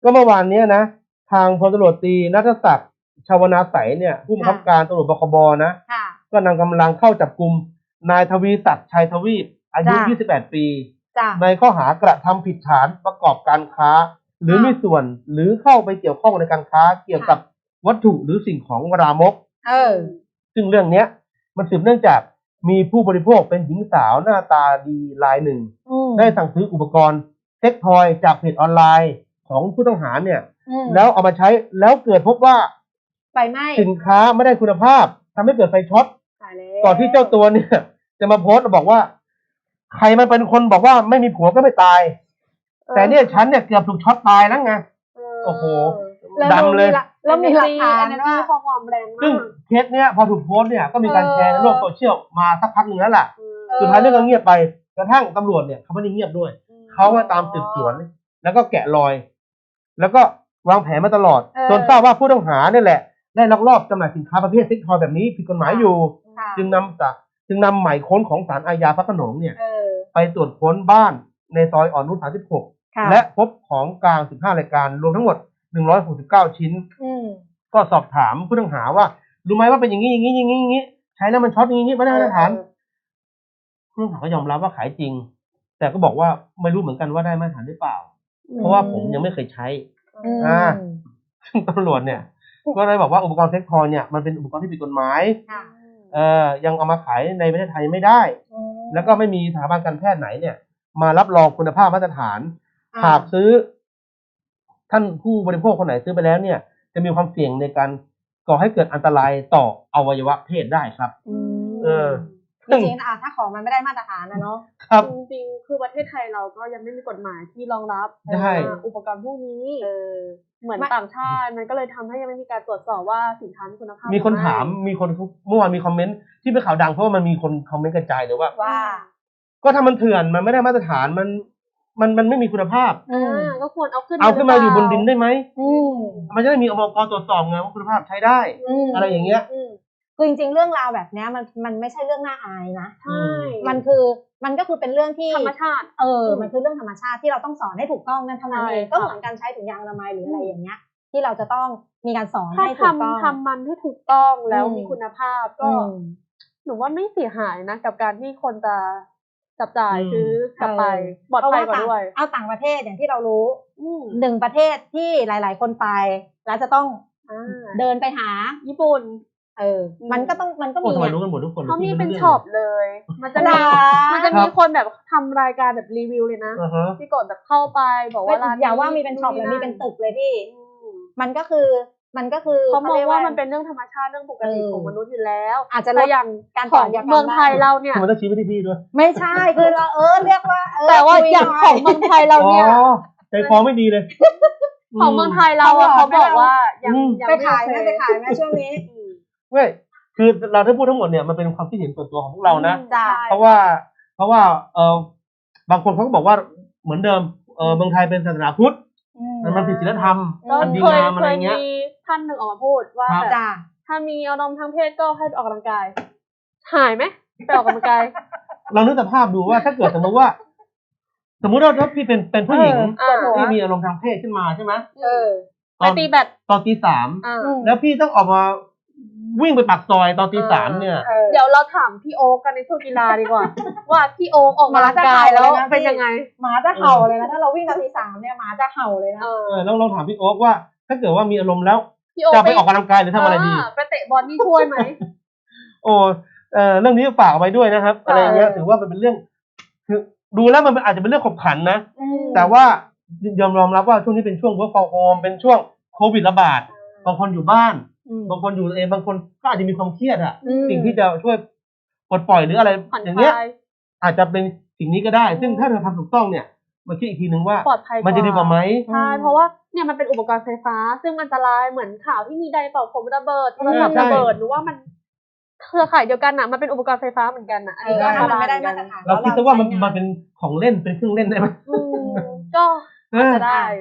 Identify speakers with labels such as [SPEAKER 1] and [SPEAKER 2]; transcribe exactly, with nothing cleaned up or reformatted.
[SPEAKER 1] ก็เมื่อวานนี้นะทางพลตำรวจตรีณัฐศักดิ์ชวนาไสยเนี่ยผู้บังคับการตำรวจบกบนะก็นำกำลังเข้าจับกุมนายทวีศักดิ์ชัยทวีปอายุยี่สิบแปดปีในข้อหากระทำผิดฐานประกอบการค้าหรือมีส่วนหรือเข้าไปเกี่ยวข้องในการค้าเกี่ยวกับวัตถุหรือสิ่งของรามกเออซึ่งเรื่องเนี้ยมันสืบเนื่องจากมีผู้บริโภคเป็นหญิงสาวหน้าตาดีรายหนึ่งได้สั่งซื้ออุปกรณ์เซ็กทอยจากเพจออนไลน์ของผู้ต้องหาเนี่ยแล้วเอามาใช้แล้วเกิดพบว่า
[SPEAKER 2] ไฟไหม้
[SPEAKER 1] สินค้าไม่ได้คุณภาพทำให้เกิดไฟช็อตก่อนที่เจ้าตัวเนี่ยจะมาโพสต์บอกว่าใครมันเป็นคนบอกว่าไม่มีผัวก็ไม่ตายแต่เนี่ยฉันเนี่ยเกือบถูกช็อตตายแล้วไงโอ้โหดำเลย
[SPEAKER 2] แล้วมีหลักฐานว่าข้อความแรงมาก
[SPEAKER 1] ซึ่งเคสเนี้ยพอถูกโพสต์เนี่ยก็มีการแชร์ในโลกโซเชียลมาสักพักหนึ่งแล้วล่ะสุดท้ายเรื่องก็เงียบไปกระทั่งตำรวจเนี่ยเขาไม่ได้เงียบด้วยเขามาตามสืบสวนแล้วก็แกะรอยแล้วก็วางแผนมาตลอดจนทราบว่าผู้ต้องหาเนี่ยแหละได้ลักลอบจำหน่ายสินค้าประเภทเซ็กทอยแบบนี้ผิดกฎหมายอยู่จึงนำจากจึงนำหมายค้นของศาลอาญาพระโขนงเนี่ยไปตรวจค้นบ้านในซอยอ่อนนุชสามสิบหกและพบของกลางสิบห้ารายการรวมทั้งหมดหนึ่งร้อยหกสิบเก้าชิ้นก็สอบถามผู้ต้องหาว่ารู้ไหมว่าเป็นอย่างนี้อย่างนี้อย่างนี้อย่างนี้ใช้แล้วมันช็อตอย่างนี้ไม่ได้มาตรฐานผู้ต้องหาก็ยอมรับว่าขายจริงแต่ก็บอกว่าไม่รู้เหมือนกันว่าได้มาตรฐานหรือเปล่าเพราะว่าผมยังไม่เคยใช้อ่าตำรวจเนี่ยก็เลยบอกว่าอุปกรณ์เซ็กทอยเนี่ยมันเป็นอุปกรณ์ที่ผิดกฎหมายเอ่อยังเอามาขายในประเทศไทยไม่ได้แล้วก็ไม่มีสถาบันการแพทย์ไหนเนี่ยมารับรองคุณภาพมาตรฐานหากซื้อท่านผู้บริโภคคนไหนซื้อไปแล้วเนี่ยจะมีความเสี่ยงในการก่อให้เกิดอันตรายต่ออวัยวะเพศได้ครับเออ
[SPEAKER 2] จริงๆถ้าของมันไม่ได้มาตรฐานนะเนาะ
[SPEAKER 3] จริงๆคือประเทศไทยเราก็ยังไม่มีกฎหมายที่รองรับอุปกรณ์พวกนี้เหมือนต่างชาติมันก็เลยทำให้ยังไม่มีการตรวจสอบว่าสินค้ามีคุณภาพ
[SPEAKER 1] มีคนถามมีคนเมื่อวานมีคอมเมนต์ที่เป็นข่าวดังเพราะว่ามันมีคนคอมเมนต์กระจายเลยว่าก็ถ้ามันเถื่อนมันไม่ได้มาตรฐานมันมันมันไม่มีคุณภาพ
[SPEAKER 3] อ่าก็ควรเอาขึ้น
[SPEAKER 1] เอาขึ้นมาอยู่บนดินได้ไหมมันจะได้มีองค์กรตรวจสอบไงว่าคุณภาพใช้ได้อะไรอย่างเงี้ย
[SPEAKER 2] คือจริงๆเรื่องราวแบบนี้มันมันไม่ใช่เรื่องน่าอายนะใช่มันคือมันก็คือเป็นเรื่องที่
[SPEAKER 3] ธรรมชาติ
[SPEAKER 2] เออมันคือเรื่องธรรมชาติที่เราต้องสอนให้ถูกต้องนั่นเท่านั้นเองก็เหมือนการใช้ถุงยางอนามัยหรืออะไรอย่างเงี้ยที่เราจะต้องมีการสอนให้ถูกต้อง
[SPEAKER 3] ทำมันให้ถูกต้องแล้วมีคุณภาพก็หนูว่าไม่เสียหายนะกับการที่คนจะจับจ่ายซื้อกลับไปปลอดภัยกว่าด้วย
[SPEAKER 2] เอาต่างประเทศอย่างที่เรารู้หนึ่งประเทศที่หลายๆคนไปแล้วจะต้องเดินไปหาญี่ปุ่นเออมันก็ต้องมันก็มี
[SPEAKER 1] รู้กันหมดทุกคน
[SPEAKER 3] เขามีเป็นช็อปเลยมันจะมีมันจะมีคนแบบทำรายการแบบรีวิวเลยนะที่กดแบบเข้าไปบอกว่าร้าน
[SPEAKER 2] อย่าว่ามีเป็นช็อปเลยมีเป็นตึกเลยพี่มันก็คือมันก็คือ
[SPEAKER 3] เขามองว่ามันเป็นเรื่องธรรมชาติเรื่องปกติของมนุษย์อยู่แล้ว
[SPEAKER 2] อาจจะ
[SPEAKER 3] อย่าง
[SPEAKER 2] การ
[SPEAKER 3] ของเมืองไทยเราเนี่ย
[SPEAKER 1] มันต้องชี้ไปที่พี่ด้วย
[SPEAKER 2] ไม่ใช่คือเราเออเรียกว่า
[SPEAKER 3] แต่ว่าอย่างของเมืองไทยเราเนี่ย
[SPEAKER 1] ใจคอไม่ดีเลย
[SPEAKER 3] ของเมืองไทยเราเขาบอกว่ายัง
[SPEAKER 2] ยังไปขายไม่ไปขายไหมช่วงนี้
[SPEAKER 1] เว้ยคือเราได้พูดทั้งหมดเนี่ยมันเป็นความคิดเห็นส่วนตัวของพวกเรานะเพราะว่าเพราะว่าเออบางคนเขาก็บอกว่าเหมือนเดิมเออเมืองไทยเป็นศาสนาพุทธมันผิดศีลธรรมมันดีงามอะไรเงี้ย
[SPEAKER 3] ท่านหนึ่งออกมาพูดว่าถ้ามีอารมณ์ทางเพศก็ให้ออกกำลังกายหายไหมไปออกกำลังกาย
[SPEAKER 1] เรานึกสภาพดูว่าถ้าเกิดสมมติว่าสมมุติว่าถ้าพี่เป็นเป็นผู้หญิงที่มีอารมณ์ทางเพศขึ้นมาใช่ไหม
[SPEAKER 3] ไปตีแบด
[SPEAKER 1] ตอนตีสามแล้วพี่ต้องออกมาวิ่งไปปากซอยตอนตีสามเนี่ย
[SPEAKER 3] เดี๋ยวเราถามพี่โอ๊กกันในช่วงกีฬาดีกว่าว่าพี่โอ๊กออกกำลังกายแล้วเป็นยังไง
[SPEAKER 2] หมาจะเห่าเลยนะถ้าเราวิ่งตอนตีสามเนี่ยหมาจะเห่าเลยนะ
[SPEAKER 1] เออลองลองถามพี่โอ๊กว่าถ้าเกิดว่ามีอารมณ์แล้วจะไปออกกำลังกายหรือทำอะไรดี
[SPEAKER 3] ไปเตะบอลนี่ช่วยไหม
[SPEAKER 1] โอ้เออเรื่องนี้ฝากเอาไว้ด้วยนะครับอะไรเงี้ยถือว่ามันเป็นเรื่องคือดูแล้วมันอาจจะเป็นเรื่องขบขันนะแต่ว่ายอมยอมรับว่าช่วงนี้เป็นช่วง work from home เป็นช่วงโควิดระบาดบางคนอยู่บ้านบางคนอยู่เองบางคนก็อาจจะมีความเครียดอ่ะสิ่งที่จะช่วยปลดปล่อยหรืออะไรอย่างเงี้ยอาจจะเป็นสิ่งนี้ก็ได้ซึ่งถ้าเธอทำถูกต้องเนี่ยมาคิดอีกทีนึงว่ามันจะดีกว่าไหม
[SPEAKER 3] ใช่เพราะว่าเนี่ยมันเป็นอุปกรณ์ไฟฟ้าซึ่งอันตรายเหมือนข่าวที่มีไดร์เป่าผมระเบิดโทรศัพท์ระเบิดหรือว่ามันเครือข่ายเดียวกันอ่ะมันเป็นอุปกรณ์ไฟฟ้าเหมือนกันอ่ะอันนี้ก็ทำไม่ได้มาตรฐาน
[SPEAKER 1] เราคิดว่ามันมันเป็นของเล่นเป็นเครื่องเล่นได้ไหม
[SPEAKER 3] ก็จะได้